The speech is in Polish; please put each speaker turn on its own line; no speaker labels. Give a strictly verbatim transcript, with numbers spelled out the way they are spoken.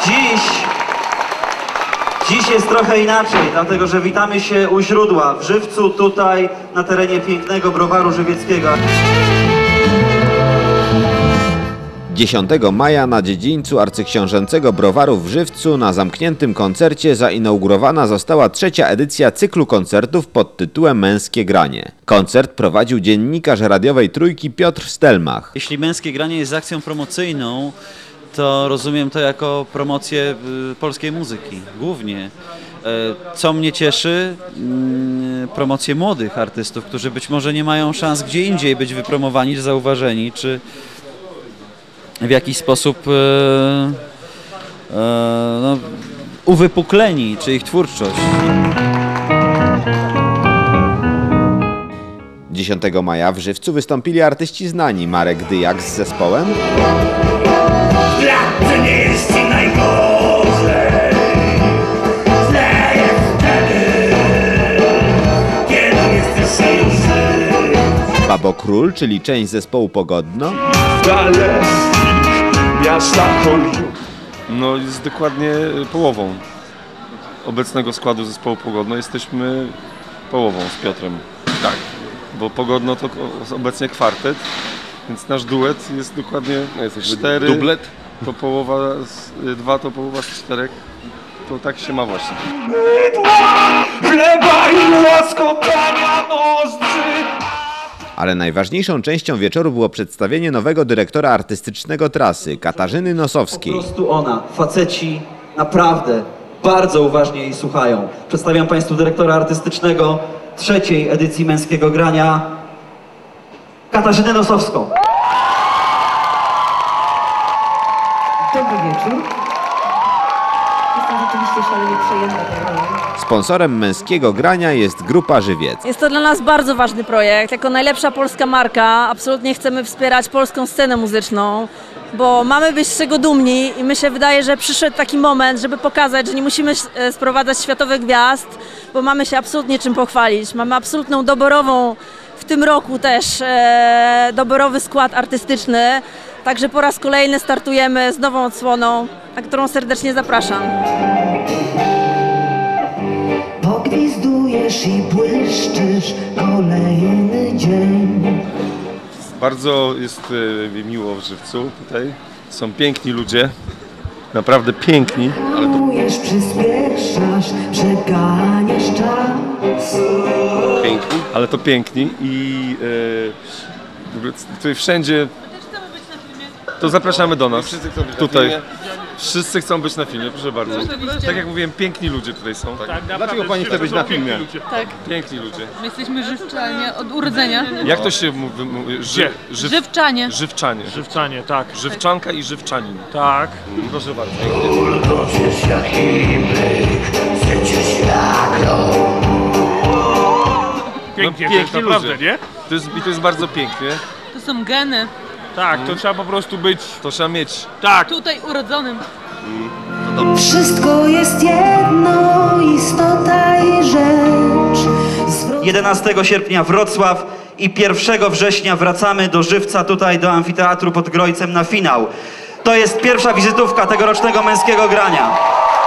Dziś, dziś jest trochę inaczej, dlatego że witamy się u źródła, w Żywcu, tutaj na terenie pięknego browaru żywieckiego.
dziesiątego maja na dziedzińcu arcyksiążęcego browaru w Żywcu na zamkniętym koncercie zainaugurowana została trzecia edycja cyklu koncertów pod tytułem Męskie Granie. Koncert prowadził dziennikarz radiowej Trójki Piotr Stelmach.
Jeśli Męskie Granie jest akcją promocyjną, to rozumiem to jako promocję polskiej muzyki, głównie. Co mnie cieszy, promocję młodych artystów, którzy być może nie mają szans gdzie indziej być wypromowani, czy zauważeni, czy w jakiś sposób e, e, no, uwypukleni, czy ich twórczość.
dziesiątego maja w Żywcu wystąpili artyści znani Marek Dyjak z zespołem,
Lat nie jest ci najgorzej, źle jest wtedy, kiedy jesteś już żyć.
Babo Król, czyli część zespołu Pogodno,
miasta Chodziu. No jest dokładnie połową obecnego składu zespołu Pogodno. Jesteśmy połową z Piotrem. Tak. Bo Pogodno to obecnie kwartet, więc nasz duet jest dokładnie cztery.
Dublet?
To połowa z, dwa to połowa z czterech. To tak się ma właśnie.
Chleba i łaskotania nozdrzy.
ale najważniejszą częścią wieczoru było przedstawienie nowego dyrektora artystycznego trasy, Katarzyny Nosowskiej.
Po prostu ona, faceci naprawdę bardzo uważnie jej słuchają. Przedstawiam Państwu dyrektora artystycznego trzeciej edycji Męskiego Grania, Katarzynę Nosowską.
Dobry wieczór. Jestem rzeczywiście szalenie przejęta tą rolą.
Sponsorem Męskiego Grania jest Grupa Żywiec.
Jest to dla nas bardzo ważny projekt. Jako najlepsza polska marka absolutnie chcemy wspierać polską scenę muzyczną, bo mamy być z czego dumni i mi się wydaje, że przyszedł taki moment, żeby pokazać, że nie musimy sprowadzać światowych gwiazd, bo mamy się absolutnie czym pochwalić. Mamy absolutną doborową, w tym roku też e, doborowy skład artystyczny, także po raz kolejny startujemy z nową odsłoną, na którą serdecznie zapraszam.
Pogwizdujesz i błyszczysz kolejny dzień.
Bardzo jest e, miło w Żywcu tutaj. Są piękni ludzie, naprawdę piękni. Ale to...
Hamujesz, przyspieszasz, przeganiasz czas.
Piękni. Ale to piękni i e, tutaj wszędzie. To zapraszamy do nas.
Wszyscy chcą być
tutaj.
na filmie.
Wszyscy chcą być na filmie, proszę bardzo. Tak jak mówiłem, piękni ludzie tutaj są. Tak.
Tak, dlaczego pani chce być na filmie?
Tak,
Piękni ludzie.
my jesteśmy żywczanie od urodzenia.
Jak to się mówi? mówi ży, żyw,
Żywczanie.
żywczanie.
Żywczanie, tak.
Żywczanka i żywczanin.
Tak.
Proszę bardzo.
Ulgosisz jak imyk, świecisz jak rok.
Pięknie,
No,
to jest naprawdę,
ludzie.
nie?
To jest, I to jest bardzo pięknie.
To są geny.
Tak, to trzeba po prostu być...
To trzeba mieć.
Tak.
Tutaj urodzonym.
Wszystko jest jedno, istota i rzecz. Zwrot...
jedenastego sierpnia Wrocław i pierwszego września wracamy do Żywca, tutaj do Amfiteatru pod Grojcem na finał. To jest pierwsza wizytówka tegorocznego Męskiego Grania.